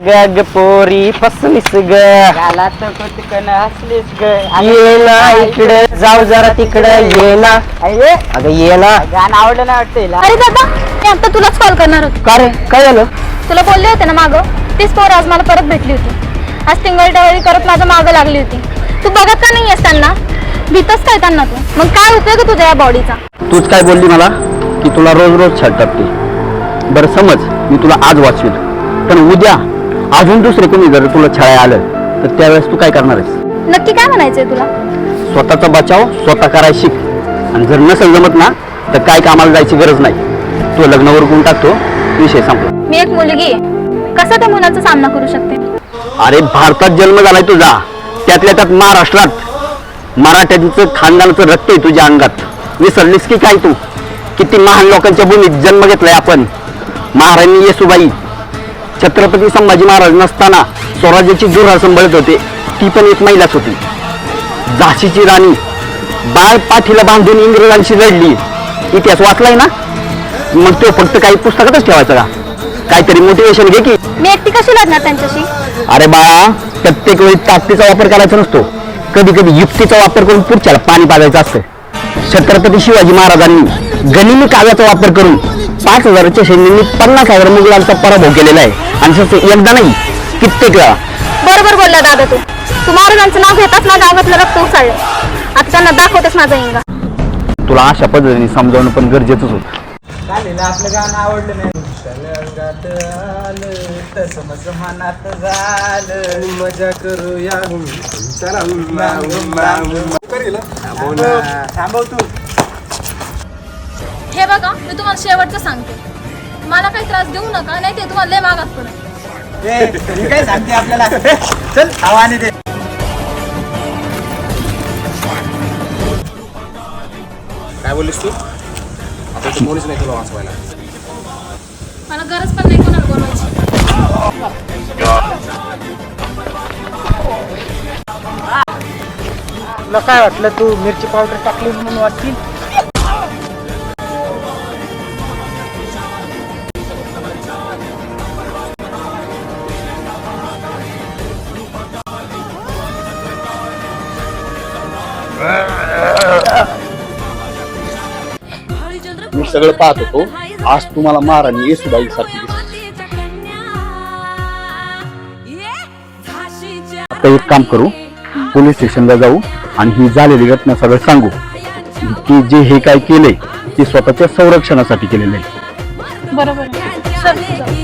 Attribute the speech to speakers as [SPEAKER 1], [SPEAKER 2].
[SPEAKER 1] गग पोरी फसलीस ग
[SPEAKER 2] गाला तर कुठकन हसलीस ग
[SPEAKER 1] ये ना इकडं जाऊ जरा तिकडं ये ना
[SPEAKER 2] अरे
[SPEAKER 1] अगं ये ना.
[SPEAKER 2] गाणं आवडलं ना वाटतं हिला.
[SPEAKER 3] अरे दादा मी आता तुलाच कॉल करणार होते.
[SPEAKER 1] का रे काय झालं?
[SPEAKER 3] तुला बोलले होते ना मागं तीच पोर आज मला परत भेटली होती. आज टिंगल करत माझ्या मागं लागली होती. तू बघत का नाही आहेस त्यांना? भीतच काय त्यांना तू? मग काय उपयोग आहे तुझ्या या बॉडीचा?
[SPEAKER 4] तूच काय बोलली मला की तुला रोज रोज छळ टाकते. बरं समज मी तुला आज वाचवेल, पण उद्या अजून दुसरे कोणी जर तुला छळाय आलं तर त्यावेळेस तू काय करणार आहेस?
[SPEAKER 3] नक्की काय म्हणायचंय तुला?
[SPEAKER 4] स्वतःचा बचाव स्वतः करायला शिक, आणि जर नसेल जमत ना तर काय कामाला जायची गरज नाही. तो लग्नावर गुण टाकतो, विषय संपला.
[SPEAKER 3] मी एक मुलगी आहे, कसा त्या मुलाचा सामना करू शकते?
[SPEAKER 4] अरे भारतात जन्म झालाय तुझा, त्यातल्या त्यात महाराष्ट्रात. मराठ्यांचं खानदानाचं रक्त आहे तुझ्या अंगात. विसरलीस की काय तू? किती महान लोकांच्या भूमीत जन्म घेतलाय आपण. महाराणी येसुबाई, छत्रपती संभाजी महाराज नसताना स्वराज्याची धुरा सांभाळत होते, ती पण एक महिलाच होती. झाशीची राणी बाळ पाठीला बांधून इंग्रजांशी लढली. इतिहास वाचलाय ना? मग तो फक्त काही पुस्तकातच ठेवायचा का? काहीतरी मोटिवेशन घे की.
[SPEAKER 3] मी एकटी कशी लढणार त्यांच्याशी?
[SPEAKER 4] अरे बाळा, प्रत्येक वेळी ताकदीचा वापर करायचा नसतो, कधी कधी युक्तीचा वापर करून पुढच्याला पाणी पाजायचं असतं. छत्रपती शिवाजी महाराजांनी गनिमी काव्याचा वापर करून 5,000च्या सैन्यांनी 50,000 मुघलांचा पराभव केलेला आहे, आणि तसं एकदा नाही कित्येक वेळा.
[SPEAKER 3] बरोबर बोलला दादा तू. तू महाराजांचं नाव घेताच माझ्या अंगातलं रक्त उचललं. आता त्यांना दाखवतेस माझा इंगा.
[SPEAKER 4] तुला अशा पद्धतीने समजावणं पण गरजेचंच होतं.
[SPEAKER 2] चालेल, आपलं गाणं आवडलं नाही. अंगात आलं तसं माझं मनात झालं.
[SPEAKER 5] मजा करूया चला
[SPEAKER 2] थांबव तू.
[SPEAKER 3] हे बघा, मी तुम्हाला शेवटचं सांगते, मला काही त्रास देऊ नका, नाही ते तुम्हाला लय मागात पडेल.
[SPEAKER 2] हे काय सांगते आपल्याला? चल आवाने दे.
[SPEAKER 5] काय बोललीस तू? आता इथे कोणीच नाही तुला वाचवायला.
[SPEAKER 3] मला गरज पण नाही कोणाला बोलवायची.
[SPEAKER 2] तुला काय वाटलं तू मिरची पावडर टाकली म्हणून वाटतील?
[SPEAKER 4] मी सगळं पाहत होतो, आज तुम्हाला महाराणी येसुबाई सारखी दिसते. आता एक काम करू, पोलीस स्टेशनला जाऊ आणि ही झालेली घटना सगळं सांगू की जे हे काय केलंय ते स्वतःच्या संरक्षणासाठी केलेलं आहे.
[SPEAKER 3] बरोबर आहे. चल, जाऊ.